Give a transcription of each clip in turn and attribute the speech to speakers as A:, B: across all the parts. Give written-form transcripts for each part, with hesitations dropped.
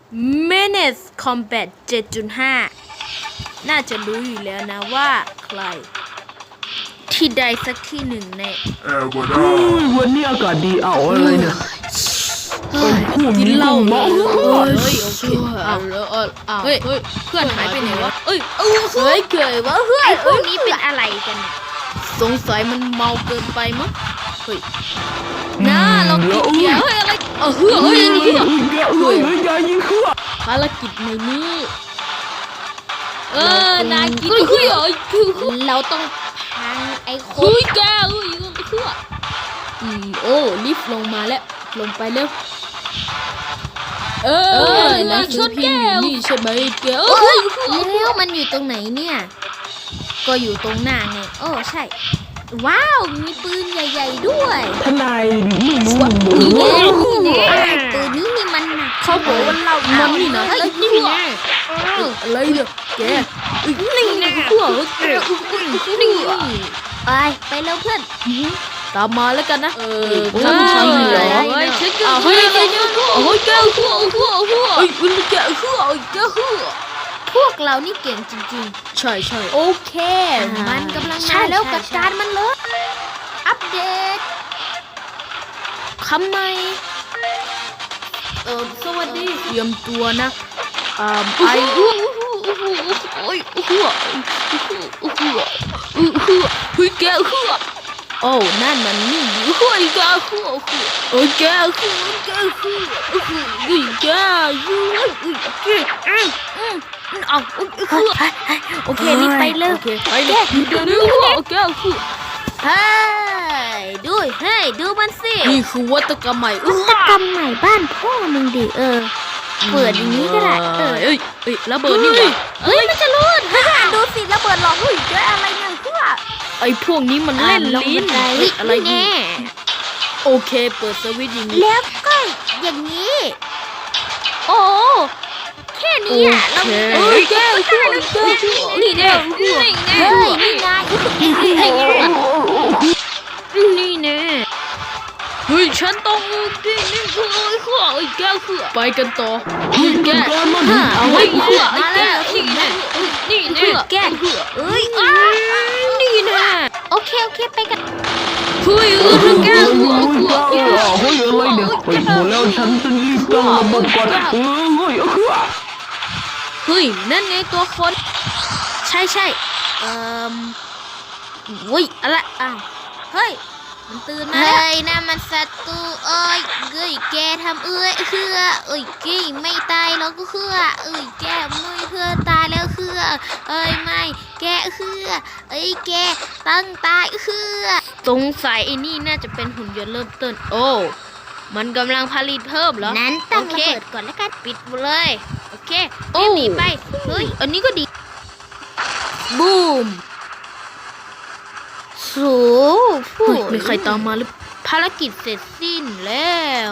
A: Menace Combat 7.5 น่าจะรู้อยู่แล้วนะว่าใครที่ใดสักที่หนึ่งใน
B: วันนี้อากาศดีอะไรเนี่ย
A: กินเหล้าโอเคเฮ้ยเพื่อนหายไปไหนวะเฮ้ยเกิดว่าเพื่อนพวกนี้เป็นอะไรกันสงสัยมันเมาเกินไปมั้งเฮ้ยน่าเรากินเบียร์เฮ้ยอะไรเฮ้ย
B: อย่ายิงขั้ว
A: ภารกิจในนี้นายกินเราต้องพังไอ้คนแกโอ้ลิฟต์ลงมาแล้วลงไปเร็วนายชนแก้วนี่ใช่ไหมแก้วแล้วมันอยู่ตรงไหนเนี่ยก็อยู่ตรงหน้าไงโอ้ใช่ว้าวมีปืนใหญ่ๆด้วย
B: ทนายไม่รู้
A: ปืนนี้นี่มันเขาบอกว่าเรามันนี่นะนี่ไงอะไรเนี่ยแกนี่นะพวกแกนี่ไปแล้วเพื่อนตามมาแล้วกันนะฉันเหรอฉันก็เฮ้ยแกพวกเรานี่เก่งจริงๆใช่โอเคมันกำลังมาแล้วจัดการมันเลยอัปเดตคำใหม่สวัสดีเตรียมตัวนะเฮ้ยแกโอ้นั่นมันนี่เฮ้ยแกโอเครีบไปเลยไปเลยเดี๋ยวดูมันสินี่คือวัตกรรมใหม่บ้านพ่อมึงดิเปิดอย่างนี้ก็ได้ระเบิดนี่มันจะรูดดูสิระเบิดหลอกหุ่ยเจออะไรเนี่ยไอ้พวกนี้มันเล่นลิ้นอะไรนี่โอเคเปิดสวิตช์อย่างนี้แล้วก็อย่างนี้โอ้แค่นี้เราแก้วนี่แน่เฮ้ยฉันต้องนี่แก้วไปกันต่อแก้วเอาไว้มาแล้วนี่แก้นี่นะโอเคไปกันเฮ้ยแก้ว
B: เฮ้ยอะไรเนี่ยหมดแล้วฉันจะรีบตั้งระบบก่อน
A: เฮ้ยนั่นไงตัวคนใช่อะไรเฮ้ยมันตื่นมาแล้วน่ามันศัตรูแกทำแกไม่ตายหรอกแกไม่เพื่อตายแล้วไม่แกแกตั้งตายสงสัยไอ้นี่น่าจะเป็นหุ่นยนต์เริ่มต้นโอ้มันกำลังผลิตเพิ่มเหรอนั้นตั้งระเบิดก่อนแล้วกันปิดเลยโอเคหนีไปเฮ้ยอันนี้ก็ดีบูมมีใครตามมาหรือภารกิจเสร็จสิ้นแล้ว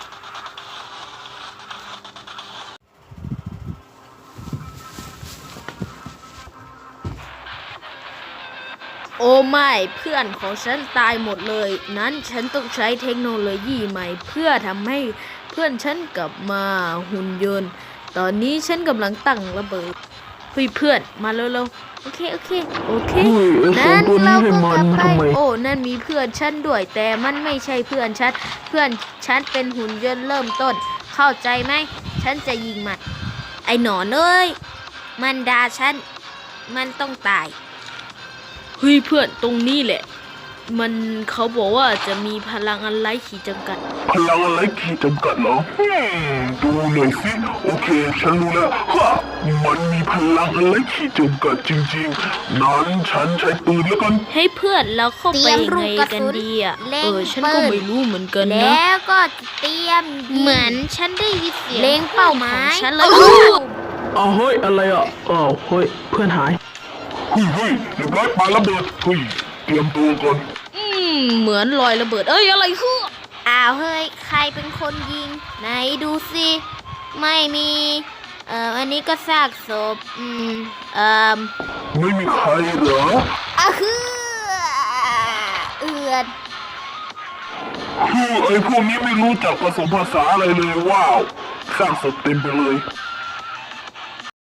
A: โอ้ไม่เพื่อนของฉันตายหมดเลยนั้นฉันต้องใช้เทคโนโลยีใหม่เพื่อทำให้เพื่อนฉันกลับมาหุ่นยนต์ตอนนี้ฉันกำลังตั้งระเบิดเพื่อนมาเร็วๆโอเคนั่นเราก็กลับไปโอ้นั่นมีเพื่อนฉันด้วยแต่มันไม่ใช่เพื่อนฉันเป็นหุ่นยนต์เริ่มต้นเข้าใจไหมฉันจะยิงมันไอ้หนอนเอ้ยมันด่าฉันมันต้องตายเฮ้ยเพื่อนตรงนี้แหละมันเขาบอกว่าจะมีพลังอะไรขีดจำกัด
B: พลังอะไรขีดจำกัดเหรอดูหน่อยสิโอเคฉันรู้แล้วมันมีพลังอะไรขีดจำกัดจริงๆนั้นฉันใช้ปืนแล้วกัน
A: ให้เพื่อนเราเข้าไปไงกันดีฉันก็ไม่รู้เหมือนกันนะแล้วก็เตรียมเหมือนฉันได้ยินเสียงเล็งเป้าหมายฉันเลย
B: เฮ้ยอะไรเฮ้ยเพื่อนหายเฮ้ยเรียบร้อยปาระเบิดเตรียมตัวก่อน
A: เหมือนรอยระเบิดอะไรคือเฮ้ยใครเป็นคนยิงไหนดูสิไม่มีอันนี้ก็ซากศพ
B: ไม่มีใครเหรอ
A: ไอ้
B: พวกนี้ไม่รู้จักผสมภาษาอะไรเลยว้าวสร้างศพเต็มไปเลย